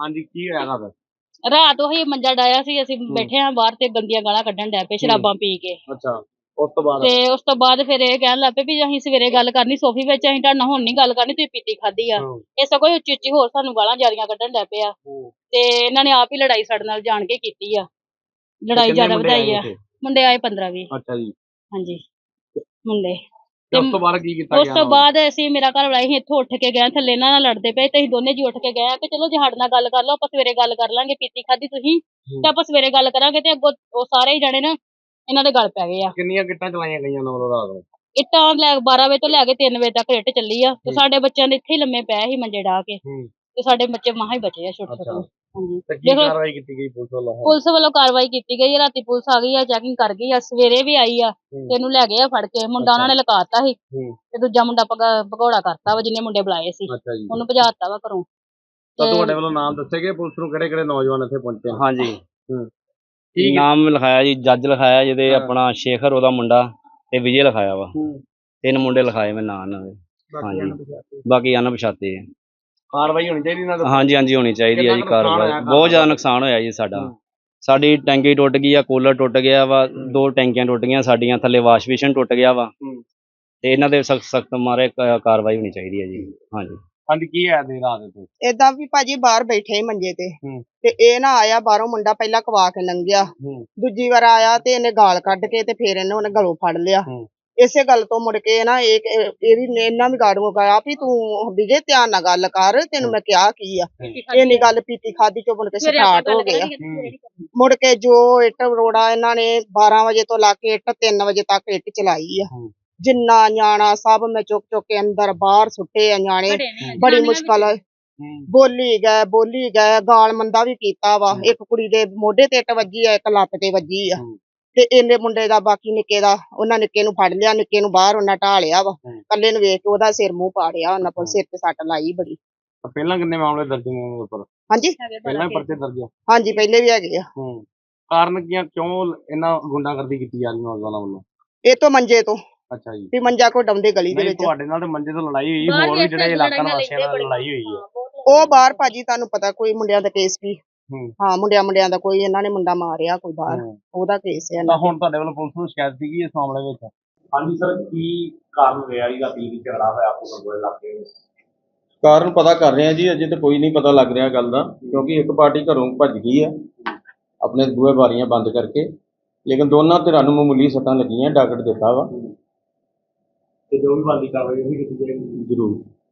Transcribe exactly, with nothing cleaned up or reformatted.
ਹਾਂਜੀ ਕੀ ਹੋਇਆ ਰਾਤ? ਰਾਤ ਉਹੀ ਮੰਜਾ ਡਾਇਆ ਸੀ, ਅਸੀਂ ਬੈਠੇ ਹਾਂ ਬਾਹਰ ਤੇ ਗੰਦੀਆਂ ਗਾਲਾਂ ਕੱਢਣ ਡੈ ਪਏ ਸ਼ਰਾਬਾਂ ਪੀ ਕੇ। ਅੱਛਾ, ਉਸ ਤੋਂ ਬਾਅਦ? ਤੇ ਉਸ ਤੋਂ ਬਾਅਦ ਫਿਰ ਇਹ ਕਹਿਣ ਲੱਗ ਪਏ ਵੀ ਅਸੀਂ ਸਵੇਰੇ ਗੱਲ ਕਰਨੀ ਸੋਫੀ ਵਿੱਚ, ਅਸੀਂ ਤੁਹਾਡੇ ਨਾਲ ਹੁਣ ਨੀ ਗੱਲ ਕਰਨੀ, ਤੁਸੀਂ ਪੀਤੀ ਖਾਧੀ ਆ। ਇਹ ਸਗੋਂ ਉੱਚੀ ਉੱਚੀ ਹੋਰ ਸਾਨੂੰ ਗਾਲਾਂ ਜ਼ਿਆਦੀਆਂ ਕੱਢਣ ਡੈ ਪਏ ਆ। ਤੇ ਇਹਨਾਂ ਨੇ ਆਪ ਹੀ ਲੜਾਈ ਸਾਡੇ ਨਾਲ ਜਾਣ ਕੇ ਕੀਤੀ ਆ, ਲੜਾਈ ਜ਼ਿਆਦਾ ਵਧਾਈ ਆ। ਮੁੰਡੇ ਆਏ ਪੰਦਰਾਂ ਵੀਹ। ਅੱਛਾ ਜੀ। ਹਾਂਜੀ ਮੁੰਡੇ। ਤੇ ਉਸ ਤੋਂ ਬਾਅਦ ਕੀ ਕੀਤਾ ਗਿਆ? ਉਸ ਤੋਂ ਬਾਅਦ ਅਸੀਂ ਮੇਰਾ ਘਰ ਵਾਲਾ ਅਸੀਂ ਇੱਥੋਂ ਉੱਠ ਕੇ ਗਏ, ਥੱਲੇ ਇਹਨਾਂ ਨਾਲ ਲੜਦੇ ਪਏ ਤੇ ਅਸੀਂ ਦੋਨੇ ਜੀ ਉੱਠ ਕੇ ਗਏ ਕਿ ਚਲੋ ਜੇ ਸਾਡੇ ਨਾਲ ਗੱਲ ਕਰ ਲਓ, ਆਪਾਂ ਸਵੇਰੇ ਗੱਲ ਕਰ ਲਾਂਗੇ, ਪੀਤੀ ਖਾਧੀ ਤੁਸੀਂ ਤੇ ਆਪਾਂ ਸਵੇਰੇ ਗੱਲ ਕਰਾਂਗੇ। ਤੇ ਅੱਗੋਂ ਉਹ ਸਾਰੇ ਹੀ ਜਾਣੇ ਨਾ ਇਹਨਾਂ ਦੇ ਗੱਲ ਪੈ ਗਏ ਆ। ਕਿੰਨੀਆਂ ਕਿੱਟਾਂ ਚਲਾਈਆਂ ਗਈਆਂ ਉਹਨਾਂ ਵੱਲੋਂ ਰਾਤ ਨੂੰ? ਇੱਟਾਂ ਲੈ ਬਾਰਾਂ ਵਜੇ ਤੋਂ ਲੈ ਕੇ ਤਿੰਨ ਵਜੇ ਤੱਕ ਇੱਟ ਚੱਲੀ ਆ। ਤੇ ਸਾਡੇ ਬੱਚਿਆਂ ਦੇ ਇੱਥੇ ਹੀ ਲੰਮੇ ਪਏ ਸੀ ਮੰਜੇ ਡਾ ਕੇ, ਤੇ ਸਾਡੇ ਬੱਚੇ ਮਸਾਂ ਹੀ ਬਚੇ ਆ ਛੋਟੇ ਛੋਟੇ। ਹਾਂਜੀ ਕੀ ਕਾਰਵਾਈ ਕੀਤੀ ਗਈ ਪੁਲਿਸ ਵੱਲੋਂ? ਪੁਲਿਸ ਵੱਲੋਂ ਕਾਰਵਾਈ ਕੀਤੀ ਗਈ, ਰਾਤੀ ਪੁਲਿਸ ਆ ਗਈ ਆ, ਚੈਕਿੰਗ ਕਰ ਗਈ ਆ, ਸਵੇਰੇ ਵੀ ਆਈ ਆ ਤੇ ਇਹਨੂੰ ਲੈ ਗਏ ਆ ਫੜ ਕੇ। ਮੁੰਡਾ ਉਹਨਾਂ ਨੇ ਲਕਾਤਾ ਸੀ ਤੇ ਦੂਜਾ ਮੁੰਡਾ ਭਗੌੜਾ ਕਰਤਾ ਵਾ, ਜਿੰਨੇ ਮੁੰਡੇ ਬੁਲਾਏ ਸੀ ਉਹਨੂੰ ਭਜਾਤਾ ਵਾ ਘਰੋਂ। ਤਾਂ ਤੁਹਾਡੇ ਵੱਲੋਂ ਨਾਮ ਦੱਸੇ ਗਏ ਪੁਲਿਸ ਨੂੰ ਕਿਹੜੇ ਕਿਹੜੇ ਨੌਜਵਾਨ ਇੱਥੇ ਪਹੁੰਚੇ? ਹਾਂਜੀ ਨਾਮ ਲਿਖਾਇਆ ਜੀ, ਜੱਜ ਲਿਖਾਇਆ ਜਿਹਦੇ ਆਪਣਾ ਸ਼ੇਖਰ ਉਹਦਾ ਮੁੰਡਾ ਤੇ ਵਿਜੇ ਲਿਖਾਇਆ ਵਾ। ਤਿੰਨ ਮੁੰਡੇ ਲਿਖਾਏ ਮੈਂ ਨਾਂ ਇਹਨਾਂ ਦੇ। ਹਾਂਜੀ ਬਾਕੀ ਅਣਪਛਾਤੇ ਆ। ਕਾਰਵਾਈ ਹੋਣੀ ਚਾਹੀਦੀ ਨਾ? ਹਾਂਜੀ ਹਾਂਜੀ ਹੋਣੀ ਚਾਹੀਦੀ ਹੈ ਜੀ ਕਾਰਵਾਈ। ਬਹੁਤ ਜ਼ਿਆਦਾ ਨੁਕਸਾਨ ਹੋਇਆ ਜੀ ਸਾਡਾ। ਸਾਡੀ ਟੈਂਕੀ ਟੁੱਟ ਗਈ ਆ, ਕੂਲਰ ਟੁੱਟ ਗਿਆ ਵਾ, ਦੋ ਟੈਂਕੀਆਂ ਟੁੱਟ ਗਈਆਂ ਸਾਡੀਆਂ, ਥੱਲੇ ਵਾਸ਼ ਬੇਸਿਨ ਟੁੱਟ ਗਿਆ ਵਾ। ਤੇ ਇਹਨਾਂ ਦੇ ਸਖਤ ਸਖਤ ਮਾਰੇ ਕਾਰਵਾਈ ਹੋਣੀ ਚਾਹੀਦੀ ਹੈ ਜੀ। ਹਾਂਜੀ ਹਾਂਜੀ ਕੀ ਹੈ ਦੇ ਰਾਤ ਤੇ? ਏਦਾਂ ਵੀ ਭਾਜੀ ਬਾਹਰ ਬੈਠੇ ਹੀ ਮੰਜੇ ਤੇ ਤੇ ਇਹ ਨਾ ਆਇਆ ਬਾਹਰੋਂ ਮੁੰਡਾ, ਪਹਿਲਾਂ ਕਵਾ ਕੇ ਲੰਘਿਆ, ਦੂਜੀ ਵਾਰ ਆਇਆ ਤੇ ਇਹਨੇ ਗਾਲ ਕੱਢ ਕੇ ਤੇ ਫੇਰ ਇਹਨੇ ਉਹਨੇ ਗਲੋਂ ਫੜ ਲਿਆ। ਇਸੇ ਗੱਲ ਤੋਂ ਮੁੜ ਕੇ ਨਾ ਇਹ ਇਹ ਵੀ ਇਹਨਾਂ ਵੀ ਗਾੜੂ ਗਿਆ ਵੀ ਤੂੰ ਵਿਜੇ ਧਿਆਨ ਨਾਲ ਗੱਲ ਕਰ, ਤੈਨੂੰ ਮੈਂ ਕਿਹਾ ਕੀ ਆ। ਇਹਨੀ ਗੱਲ ਪੀਤੀ ਖਾਦੀ ਚੋਂ ਮੁੜ ਕੇ ਸਟਾਰਟ ਹੋ ਗਿਆ। ਮੁੜ ਕੇ ਜੋ ਇੱਟ ਰੋੜਾ ਇਹਨਾਂ ਨੇ ਬਾਰਾਂ ਵਜੇ ਤੋਂ ਲਾ ਕੇ ਇੱਟ ਤਿੰਨ ਵਜੇ ਤੱਕ ਇੱਟ ਚਲਾਈ ਆ। ਜਿੰਨਾ ਨਿਆਣਾ ਸਭ ਮੈਂ ਚੁੱਕ ਚੁੱਕ ਕੇ ਅੰਦਰ ਬਾਹਰ ਸੁੱਟੇ ਆ ਨਿਆਣੇ, ਬੜੀ ਮੁਸ਼ਕਲ ਬੋਲੀ ਗਏ ਬੋਲੀ ਗਏ ਗਾਲ ਮੰਦਾ ਵੀ ਕੀਤਾ ਵਾ। ਇੱਕ ਕੁੜੀ ਦੇ ਮੋਢੇ ਤੇ ਇੱਟ ਵੱਜੀ ਆ, ਇੱਕ ਲੱਤ ਤੇ ਵੱਜੀ ਆ। ਤੇ ਇਹਨੇ ਮੁੰਡੇ ਦਾ ਬਾਕੀ ਨਿੱਕੇ ਦਾ ਉਹਨਾਂ ਨਿੱਕੇ ਨੂੰ ਫੜ ਲਿਆ, ਨਿੱਕੇ ਨੂੰ ਬਾਹਰ ਉਹਨਾਂ ਢਾ ਲਿਆ ਵਾ। ਕੱਲੇ ਨੂੰ ਵੇਖ ਕੇ ਉਹਦਾ ਸਿਰ ਮੂੰਹ ਪਾੜਿਆ ਉਹਨਾਂ ਕੋਲ, ਸਿਰ ਤੇ ਸੱਟ ਲਾਈ ਬੜੀ। ਪਹਿਲਾਂ ਕਿੰਨੇ ਮਾਮਲੇ ਦਰਜ ਨੇ ਉਹਨਾਂ ਉੱਪਰ? ਹਾਂਜੀ ਪਹਿਲਾਂ ਵੀ ਪਰਚੇ ਦਰਜ? ਹਾਂਜੀ ਪਹਿਲੇ ਵੀ ਹੈਗੇ ਆ। ਕਾਰਨ ਕੀ, ਕਿਉਂ ਇਹਨਾਂ ਗੁੰਡਾਗਰਦੀ ਕੀਤੀ ਜਾ ਰਹੀ ਨੌਜਵਾਨਾਂ ਵੱਲੋਂ? ਇਹ ਤੋਂ ਮੰਜੇ ਤੋਂ। ਅੱਛਾ ਜੀ। ਵੀ ਮੰਜਾ ਕੋ ਡਾਉਂਦੇ ਗਲੀ ਦੇ ਵਿੱਚ। ਤੁਹਾਡੇ ਨਾਲ ਤੇ ਮੰਜੇ ਤੋਂ ਲੜਾਈ ਹੋਈ, ਹੋਰ ਵੀ ਜਿਹੜੇ ਇਲਾਕਾ ਵਾਸੀਆਂ ਨਾਲ ਲੜਾਈ ਹੋਈ ਹੈ? ਉਹ ਬਾਹਰ ਭਾਜੀ ਤੁਹਾਨੂੰ ਪਤਾ ਕੋਈ ਮੁੰਡਿਆਂ ਦਾ ਕੇਸ ਵੀ, ਹਾਂ ਮੁੰਡਿਆਂ ਮੁੰਡਿਆਂ ਦਾ ਕੋਈ ਇਹਨਾਂ ਨੇ ਮੁੰਡਾ ਮਾਰਿਆ ਕੋਈ ਬਾਹਰ, ਉਹਦਾ ਕੇਸ ਹੈ। ਤਾਂ ਹੁਣ ਤੁਹਾਡੇ ਵੱਲੋਂ ਪੁਲਿਸ ਨੂੰ ਸ਼ਿਕਾਇਤ ਸੀਗੀ ਇਸ ਮਾਮਲੇ ਵਿੱਚ? ਹਾਂਜੀ ਸਰ, ਕੀ ਕਾਰਨ ਰਿਹਾ ਜੀ ਰਾਤੀ ਵੀ ਝਗੜਾ ਹੋਇਆ ਆਪੋ ਕੰਗੋਲੇ ਇਲਾਕੇ ਵਿੱਚ? ਕਾਰਨ ਪਤਾ ਕਰ ਰਹੇ ਆ ਜੀ, ਅਜੇ ਤਾਂ ਕੋਈ ਨਹੀਂ ਪਤਾ ਲੱਗ ਰਿਹਾ ਗੱਲ ਦਾ, ਕਿਉਂਕਿ ਇੱਕ ਪਾਰਟੀ ਘਰੋਂ ਭੱਜ ਗਈ ਹੈ ਆਪਣੇ ਬੂਹੇ ਬਾਰੀਆਂ ਬੰਦ ਕਰਕੇ, ਲੇਕਿਨ ਦੋਨਾਂ ਧਿਰਾਂ ਨੂੰ ਮਾਮੂਲੀ ਸੱਟਾਂ ਲੱਗੀਆਂ, ਡਾਕਟਰ ਦਿੱਤਾ ਵਾ। ਤੇ ਜੋ ਵੀ ਬਣਦੀ ਕਾਰਵਾਈ ਉਹ ਵੀ ਕੀਤੀ ਜਾਏਗੀ ਜ਼ਰੂਰ।